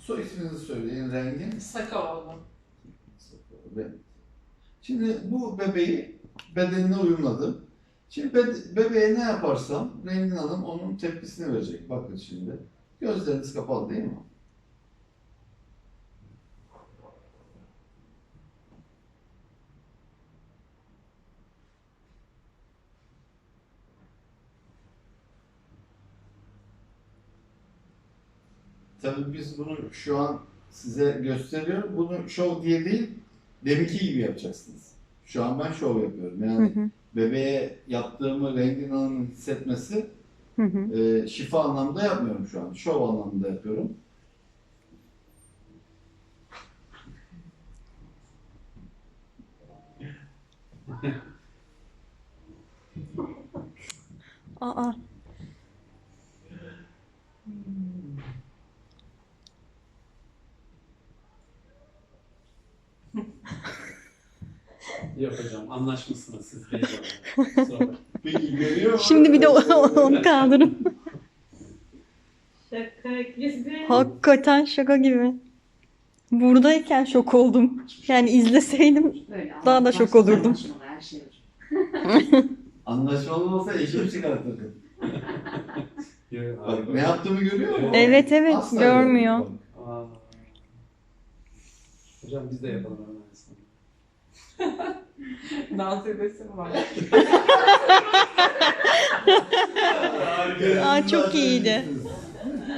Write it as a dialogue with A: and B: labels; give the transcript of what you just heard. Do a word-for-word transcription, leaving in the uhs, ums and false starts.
A: Soy isminizi söyleyin, rengi.
B: Sakaoğlu.
A: Evet. Şimdi bu bebeği bedenine uyumladım. Şimdi be- bebeğe ne yaparsam Rengin Hanım onun tepkisini verecek. Bakın şimdi. Gözleriniz kapalı değil mi? Tabii biz bunu şu an size gösteriyorum. Bunu şov diye değil, deminki gibi yapacaksınız. Şu an ben şov yapıyorum.
C: Hı
A: Yani
C: hı.
A: bebeğe yaptığımı Rengin Hanım'ın hissetmesi
C: Hı hı.
A: e, şifa anlamında yapmıyorum şu an. Şov anlamında yapıyorum.
C: Aa.
D: Yok hocam anlaşmışsınız siz değil. Sonra.
A: Peki görüyor musun?
C: Şimdi bir de o- onu kaldırın.
B: Şaka gibi.
C: Hakikaten şaka gibi. Buradayken şok oldum. Yani izleseydim
E: Böyle
C: Daha da şok
E: anlaşmalı,
C: olurdum.
E: anlaşmalı her şey olur.
A: Anlaşmalı olsa eşimi çıkartırdım.
D: Yok,
A: Bak
D: abi.
A: ne yaptığımı görüyor musun?
C: Evet, evet,
A: Asla
C: görmüyor.
A: görmüyor.
D: Aa. Hocam biz de yapalım hemen aslında.
B: Dans edesim var.
C: Aa, çok iyiydi.